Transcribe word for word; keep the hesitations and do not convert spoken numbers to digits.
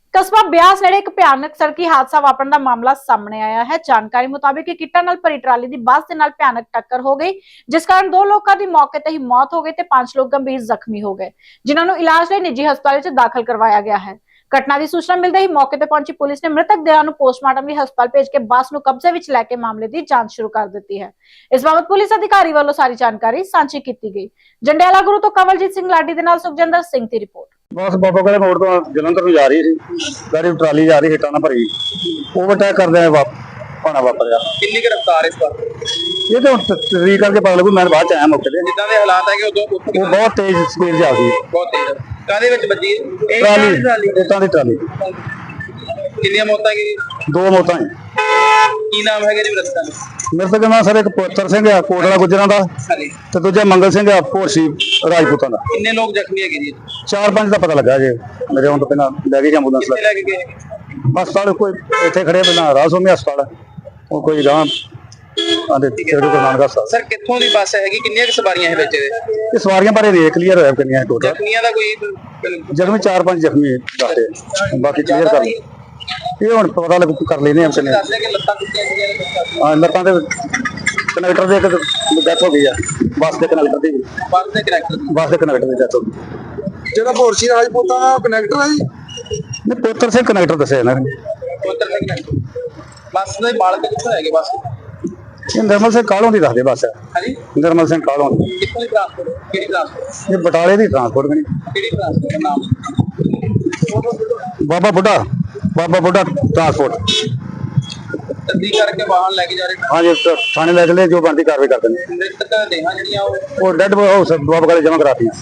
ਕਸਬਾ ਬਿਆਸ ਨੇੜੇ ਇੱਕ ਭਿਆਨਕ ਸੜਕੀ ਹਾਦਸਾ ਵਾਪਰਨ ਦਾ ਮਾਮਲਾ ਸਾਹਮਣੇ ਆਇਆ ਹੈ। ਜਾਣਕਾਰੀ ਮੁਤਾਬਿਕ ਇੱਕ ਕਿੱਟਾਂ ਨਾਲ ਭਰੀ ਟਰਾਲੀ ਦੀ ਬੱਸ ਦੇ ਨਾਲ ਭਿਆਨਕ ਟੱਕਰ ਹੋ ਗਈ, ਜਿਸ ਕਾਰਨ ਦੋ ਲੋਕਾਂ ਦੀ ਮੌਕੇ ਤੇ ਹੀ ਮੌਤ ਹੋ ਗਈ ਤੇ ਪੰਜ ਲੋਕ ਗੰਭੀਰ ਜ਼ਖਮੀ ਹੋ ਗਏ, ਜਿਨ੍ਹਾਂ ਨੂੰ ਇਲਾਜ ਲਈ ਨਿੱਜੀ ਹਸਪਤਾਲ ਵਿੱਚ ਦਾਖਲ ਕਰਵਾਇਆ ਗਿਆ ਹੈ। ਘਟਨਾ ਦੀ ਸੂਚਨਾ ਮਿਲਦੇ ਹੀ ਮੌਕੇ ਤੇ ਪਹੁੰਚੀ ਪੁਲਿਸ ਨੇ ਮ੍ਰਿਤਕ ਦੇਹਾਂ ਨੂੰ ਪੋਸਟਮਾਰਟਮ ਲਈ ਹਸਪਤਾਲ ਭੇਜ ਕੇ ਬੱਸ ਨੂੰ ਕਬਜ਼ੇ ਵਿੱਚ ਲੈ ਕੇ ਮਾਮਲੇ ਦੀ ਜਾਂਚ ਸ਼ੁਰੂ ਕਰ ਦਿੱਤੀ ਹੈ। ਇਸ ਬਾਬਤ ਪੁਲਿਸ ਅਧਿਕਾਰੀ ਵੱਲੋਂ ਸਾਰੀ ਜਾਣਕਾਰੀ ਸਾਂਝੀ ਕੀਤੀ ਗਈ। ਜੰਡਿਆਲਾ ਗੁਰੂ ਤੋਂ ਕਵਲਜੀਤ ਸਿੰਘ ਲਾਡੀ ਦੇ ਨਾਲ ਸੁਖਜਿੰਦਰ ਸਿੰਘ ਦੀ ਰਿਪੋਰਟ। बस बाबा कले मोड़ तो जलंधर जा रही थी, गाड़ी ट्राली जा रही हिटा ना भरी, ओवरटेक करदे भाना वापर गया। कितनी की रफ्तार है इस बार? ये तो तस्वीर करके पता लगू, मैं बाद च आया मौके ते। जिद्दां दे हालात है कि उदों वो बहुत तेज स्पीड जा रही है, बहुत तेज कादे विच बजी ट्राली हिटां दी ट्राली। कितनी मौतां की? दो मौतां हैं। की नाम है जी रस्ता? मेरे तो नाम सर एक पुत्र सिंह है कोटला गुजरां दा ते दूजा मंगल सिंह है भोरसी राजपूतां दा। कितने लोग जख्मी है जी? चार पांच दा पता लगा जे मेरे हुण तो पहला ले गई एंबुलेंस कितने लेके गए? हस्पताल कोई इत्थे खड़े पहला रासोमी हस्पताल और कोई गांव आंदे तेरे को नानक हस्पताल। सर कित्थों दी बस है कि कितनी सवारियां है विच दे? ये सवारियां बारे नहीं क्लियर होया कितनी है टोटल। जख्मियां दा कोई जख्मी चार पांच जख्मी दसते, बाकी क्लियर कर ये हुण पता लग कर लेने हम कितने। दसदे कि लत्तां टुटियां सीगियां? हां लत्तां दे कनेक्टर दे एक डेथ हो गई है, बस दे कनेक्टर दी बस दे कनेक्टर बस दे कनेक्टर दी डेथ हो गई। ਜਿਹੜਾ ਭੋਰਸੀ ਰਾਜਪੂਤਾਂ ਦਾ ਕਨੈਕਟਰ ਹੈ ਜੀ, नहीं पुत्र से कनेक्टर दसे ना ਪੁੱਤਰ ਦੇ ਕਨੈਕਟਰ ਬਸ ਦੇ ਮਾਲਕ ਕਿੱਥੋਂ ਹੈਗੇ ਬਸ? ये निर्मल सिंह कालों दी दसदे बस है। ਹਾਂਜੀ निर्मल सिंह कालों ਕਿੱਥੋਂ ਦੀ ਟ੍ਰਾਂਸਪੋਰਟ? ਕਿਹੜੀ ਟ੍ਰਾਂਸਪੋਰਟ? ये बटाले दी ट्रांसपोर्ट करी ਕਿਹੜੀ ਟ੍ਰਾਂਸਪੋਰਟ ਦਾ ਨਾਮ? बाबा बुढ़ा बाबा बुढ़ा ट्रांसपोर्ट। ਤਸਦੀਕ ਕਰਕੇ ਵਾਹਨ ਲੈ ਕੇ ਜਾ ਰਹੇ। हाँ जी थाने ले चले, जो बनती कार्रवाई कर देंगे। ਮ੍ਰਿਤਕ ਦੇਹਾਂ ਜਿਹੜੀਆਂ ਉਹ और डेड बाबा कले जमा कराती हैं।